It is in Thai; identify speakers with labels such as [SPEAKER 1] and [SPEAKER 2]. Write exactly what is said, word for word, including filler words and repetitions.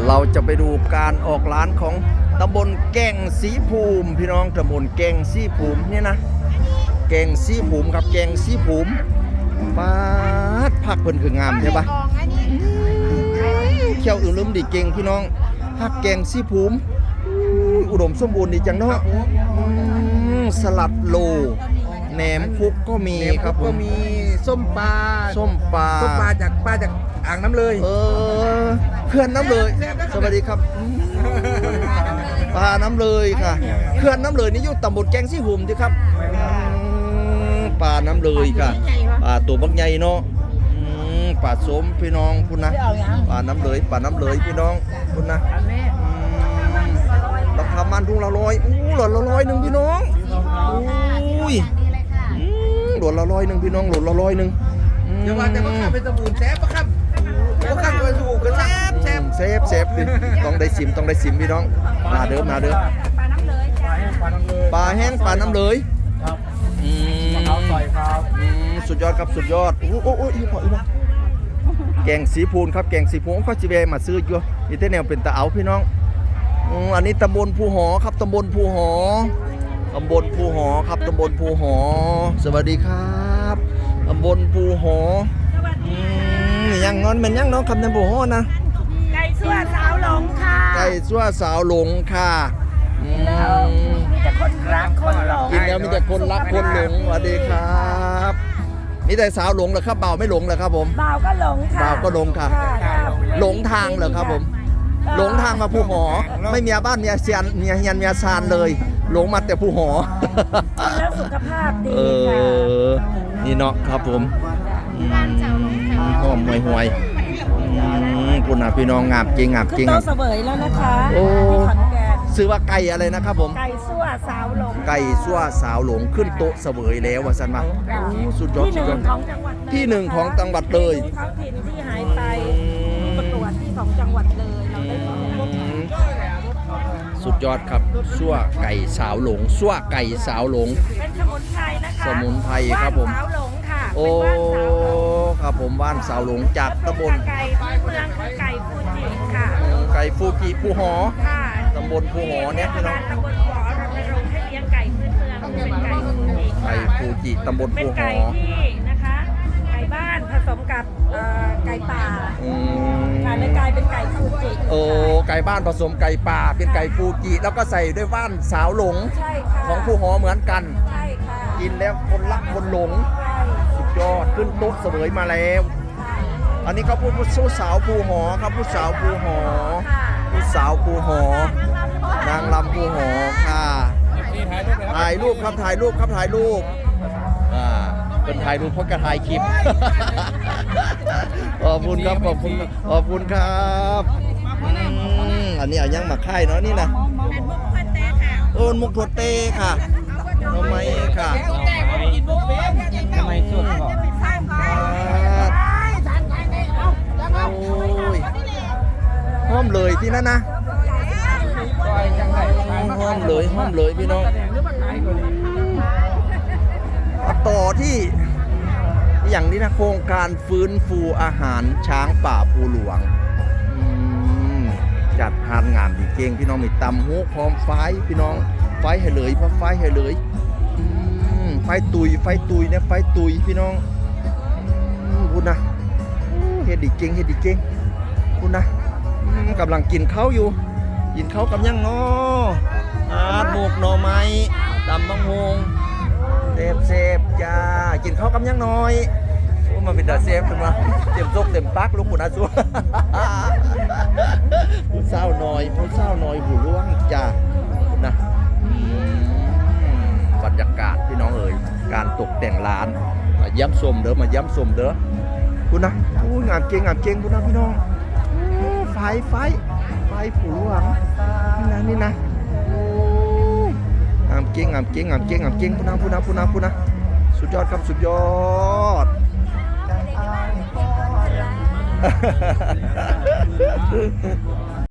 [SPEAKER 1] เราจะไปดูการออกร้านของตำบลแก่งสีภูมิพี่น้องตำบลแก่งสีภูมิเนี่ยนะแก่งสีภูมิครับแก่งสีภูมิปาดผักเพิ่นคืองามใช่ปะเขี้ยวอื่นลืมดีเก่งพี่น้องผักแก่งสีภูมิอุดมสมบูรณ์ดีจังเนาะสลัดโลแหนมคุกก็มีครับ
[SPEAKER 2] ก็มีส้มปลา
[SPEAKER 1] ส้มปลา
[SPEAKER 2] ส้มปลาจากปลาจากอ่างน้ำเลย
[SPEAKER 1] เออเขื่อนน้ำเลยสวัสดีครับปลาน้ำเลยค่ะเขื่อนน้ำเลยนี่อยู่ตำบลแก่งสีภูมิดีครับปลาน้ำเลยค่ะปลาตัวบักใหญ่เนาะปลาสมพี่น้องคุณนะปลาน้ำเลยปลาน้ำเลยพี่น้องคุณนะราคามันทุ่งละร้อยอู้หลอดละร้อยหนึ่งพี่น้องอุ้ยหลอดละร้อยหนึ่งพี่น้องหลอดละร้อยหนึ่ง
[SPEAKER 2] อย่าว่าแต่ว่าข้าเป็นสบู่แซ่บปะครับว่าข้าเป็นสบู่ก็แซ่บแซ่บ
[SPEAKER 1] เซฟเซฟดิต้องได้สิมต้องได้สิมพี่น้องมาเด้อมาเด้อ
[SPEAKER 3] ปลาน้ำเลยจ้า
[SPEAKER 1] ปลาแห้งปลาน้ำเลย
[SPEAKER 2] ครับ
[SPEAKER 1] อืม
[SPEAKER 2] เอาใส่ครับ
[SPEAKER 1] สุดยอดครับสุดยอดโอ้โหโอ้ยพออีกแล้วแกงสีพูนครับแกงสีพูนก็จีเบมาซื้ออยู่นี่เท่แนวเป็นตะเอาพี่น้องอันนี้ตำบลภูหอครับตำบลภูหอตำบลภูหอครับตำบลภูหอสวัสดีครับตำบลภูหอยังนอนเป็นยังน้องคำตำบลภูหอนะ
[SPEAKER 3] ไก่สั่วสาวหลงค่ะ
[SPEAKER 1] ไก่สั่วสาวหลงค่ะ
[SPEAKER 3] มีแต่คนรักคนหลง
[SPEAKER 1] กินแล้วมีแต่คนรักคนหลงสวัสดีครับนี่แต่สาวหลงเหรอครับเบาไม่หลงเหรอครับผม
[SPEAKER 3] เบาก็หลงค่ะ
[SPEAKER 1] เบาก็หลงค่ะหลงทางเหรอครับผมหลงทางมาภูหอไม่มีบ้านมีเซียนมีเฮียนมีซานเลยหลงมาแต่ภูหอ
[SPEAKER 3] แล้วสุขภาพดีค่ะ
[SPEAKER 1] นี่เนาะครับผมหอมห่วยห่วยคุณนะพี่น้องงาบจริงงาบจริง
[SPEAKER 3] โตเสวยแล้วนะคะ
[SPEAKER 1] โอ้ซื้อว่าไก่อะไรนะครับผม
[SPEAKER 3] ไก่สั่วสาวหลง
[SPEAKER 1] ไก่สั่วสาวหลงขึ้นโต๊ะเสวยแล้วว่าสันมาสุดยอดสุดยอดที่หนึ่งของจังหวัดเลย
[SPEAKER 3] ท้องถิ่นที่หายไปประกวดที่ของจังหวัดเลยเราได้
[SPEAKER 1] สุดยอดครับสั่วไก่สาวหลงสั่วไก่สาวหลง
[SPEAKER 3] เป็นสมุนไพรนะคะ
[SPEAKER 1] สมุนไพรครับผม
[SPEAKER 3] สาวหลงค่ะ
[SPEAKER 1] โอ้ครับผมบ้านสาวหลงจากตำบล
[SPEAKER 3] ไก่เมืองคือไก่ฟูจิค่ะ
[SPEAKER 1] ไก่ฟูจิภูหอ
[SPEAKER 3] ค่ะ
[SPEAKER 1] ตำบลภูหอเนี่ยพี่น้อง
[SPEAKER 3] ตำบลภูหอเราไปลงให้เลี้ยงไก่พื้นเมืองเป็นไก่ฟูจิ
[SPEAKER 1] ไก่ฟูจิตำบลภูหอ
[SPEAKER 3] เป็นไก่ที่นะคะไก่บ้านผสมกับไก่ป่าค่ะเลยกลายเป็นไก่ฟูจิ
[SPEAKER 1] โอ้ไก่บ้านผสมไก่ป่าเป็นไก่ฟูจิแล้วก็ใส่ด้วยว่านสาวหลงของภูหอเหมือนกัน
[SPEAKER 3] ใช่ค่ะ
[SPEAKER 1] กินแล้วคนรักคนหลงสุดยอดขึ้นโต๊ะเสวยมาแล้วอันนี้ก็ผู้ผู้สาวภูหอครับผู้สาวภูหอผู้สาวภูหอนางลำภูหอค่ะถ่ายรูปครับถ่ายรูปครับถ่ายรูปอ่าเป็นถ่ายรูปเพราะกระถ่ายคลิปขอบคุณครับขอบคุณขอบคุณครับอันนี้เอายังมาค่ายเนาะนี่นะโอนมุกถั่วเต้ค่ะทำไมค่ะ
[SPEAKER 2] ทำไมสุดก่อน
[SPEAKER 1] ห้อมเลยที่นั่นนะห้อมเลยห้อมเลยพี่น้องต่อที่อย่างนี้นะโครงการฟื้นฟูอาหารช้างป่าภูหลวงจัดทานงานดีเก่งพี่น้องมีตำหูพร้อมไฟพี่น้องไฟให้เลยเพราะไฟให้เลยไฟตุยไฟตุยเนี่ยไฟตุยพี่น้องคุณนะเฮ็ดดีเก่งเฮ็ดดีเก่งคุณนะกำลังกินข้าวอยู่กินข้าวกับยังงออาดหมกหน่อไม้ตำบังฮงเซฟเซฟจ้ากินข้าวกับยังน้อยโอ้มาเป็นดาเซฟขึ้นมาเต็มซกเต็มปักลูกคุณอาซัวผู้เศร้าน้อยผู้เศร้าน้อยหูล่วงจ้านะบรรยากาศพี่น้องเอ๋ยการตกแต่งร้านมาย้ำชมเด้อมาย้ำชมเด้อคุณนะอู้งามเก่งงามเก่งคุณนะพี่น้องไฟไฟไฟผูหวังนี่นะนี่นะงามเก่งงามเก่งงามเก่งงามเก่งพูนะพูนะพูนะพูนะสุดยอดครับสุดยอด